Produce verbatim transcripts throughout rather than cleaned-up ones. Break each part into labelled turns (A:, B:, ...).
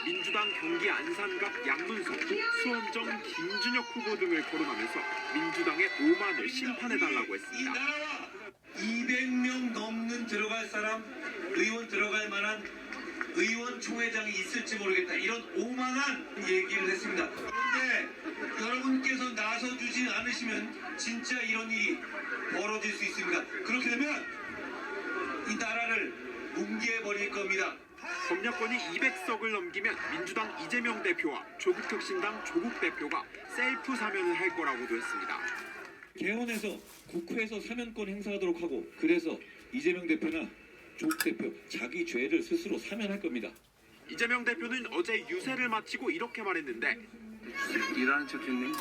A: 민주당 경기 안산갑 양문석, 수원정 김준혁 후보 등을 거론하면서 민주당의 오만을 심판해달라고 했습니다.
B: 이 나라와 이백 명 넘는 들어갈 사람, 의원 들어갈 만한 의원총회장이 있을지 모르겠다. 이런 오만한 얘기를 했습니다. 그런데 여러분께서 나서주지 않으시면 진짜 이런 일이 벌어질 수 있습니다. 그렇게 되면 이 나라를 뭉개버릴 겁니다.
A: 검역권이 이백 석을 넘기면 민주당 이재명 대표와 조국혁신당 조국 대표가 셀프 사면을 할 거라고도 했습니다.
C: 개헌해서 국회에서 사면권 행사하도록 하고, 그래서 이재명 대표나 조국 대표 자기 죄를 스스로 사면할 겁니다.
A: 이재명 대표는 어제 유세를 마치고 이렇게 말했는데
D: 일하는 척했네.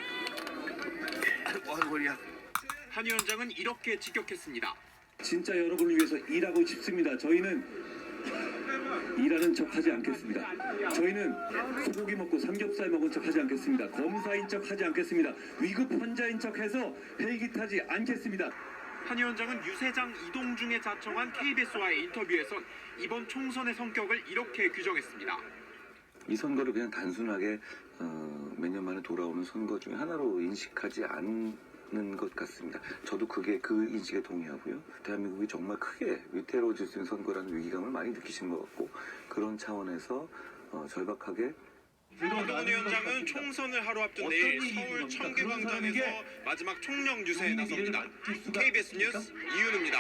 D: 와 머리야.
A: 한 위원장은 이렇게 직격했습니다.
E: 진짜 여러분을 위해서 일하고 싶습니다. 저희는 일하는 척 하지 않겠습니다. 저희는 소고기 먹고 삼겹살 먹은 척 하지 않겠습니다. 검사인 척 하지 않겠습니다. 위급 환자인 척 해서 헬기 타지 않겠습니다.
A: 한 위원장은 유세장 이동 중에 자청한 케이비에스와의 인터뷰에선 이번 총선의 성격을 이렇게 규정했습니다.
D: 이 선거를 그냥 단순하게 어, 몇 년 만에 돌아오는 선거 중에 하나로 인식하지 않는 것 같습니다. 저도 그게 그 인식에 동의하고요. 대한민국이 정말 크게 위태로워질 수 있는 선거라는 위기감을 많이 느끼신 것 같고, 그런 차원에서 어, 절박하게
A: 한동훈 위원장은 총선을 하루 앞둔 내일 서울 청계광장에서 마지막 총령 유세에 나섭니다. 케이비에스 뉴스 이윤우입니다.